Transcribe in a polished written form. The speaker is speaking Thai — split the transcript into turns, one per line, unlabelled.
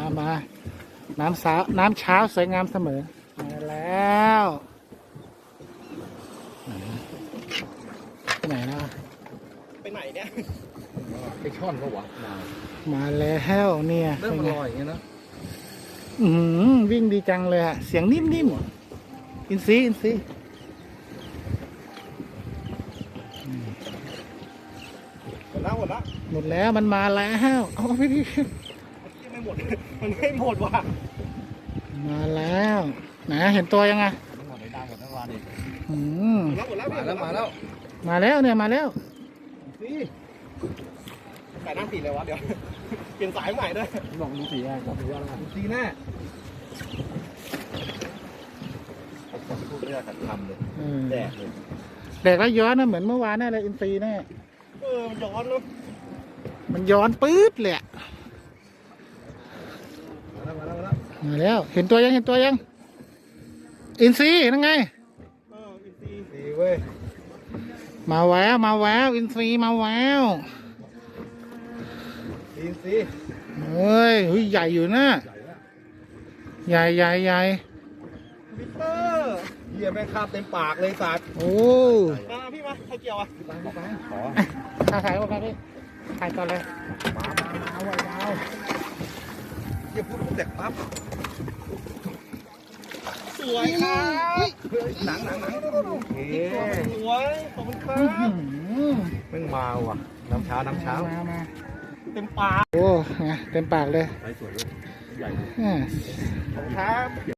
มาน้ำเช้าสวยงามเสมอมาแล้วไปไหนแล้ว
ไปไหนเนี่ย
ไปช่อนก็หวะ
มาแล้วเนี่ย
เริ่มลอยอย่างเงี้ยนะ
วิ่งดีจังเลยอะเสียงนิ่มๆอินซีหมดแล้วมันมาแล้วเอาไปดิ
ไม่หมดมันไม่หมดว่ะ
มาแล้วนะเห็นตัวยังไง
หมดในดังหมดทั้งวันอีก
มาแล้ว
เนี่ยมาแล้ว
ใส่น้ำสีเลยวะเดี๋ยวเปลี่ยนสายใหม่ด้วย
ลองดูสีอะไรก่อนดูว่าอะไร
สีแน่
พูดเรื่องการทำเลยแดกเลย
แดกแล้วย้อนนะเหมือนเมื่อวานแน่เลยอินซีแน่
มันย้อนเนาะ
มันย้อนปื๊ดเลยมาแล้วเห็นตัวยังอินซีนั่นไง
อินซีเว้ย
มาแววอินซีมาแวว
อินซี
เฮ้ยใหญ่อยู่นะใหญ่
มิเตอร์เหี้ยแม่งคาบเต็มปากเลยสัตว์
โอ้
มาพี่มาใครเกี่ยวอ่ะ
ขอ
ถ่ายก่อนพี่ถ่ายก่อนเลย
เอาไว้ดาวเดี๋ยวพูดเด็กปั๊บสวยครับหนังสวยขอบคุณครับ
แม่งมาว่ะน้ำเช้า
มา
เต็มปาก
โอ้เต็มปากเลย
ใส่สวยเลยใหญ่
ขอบคุณครับ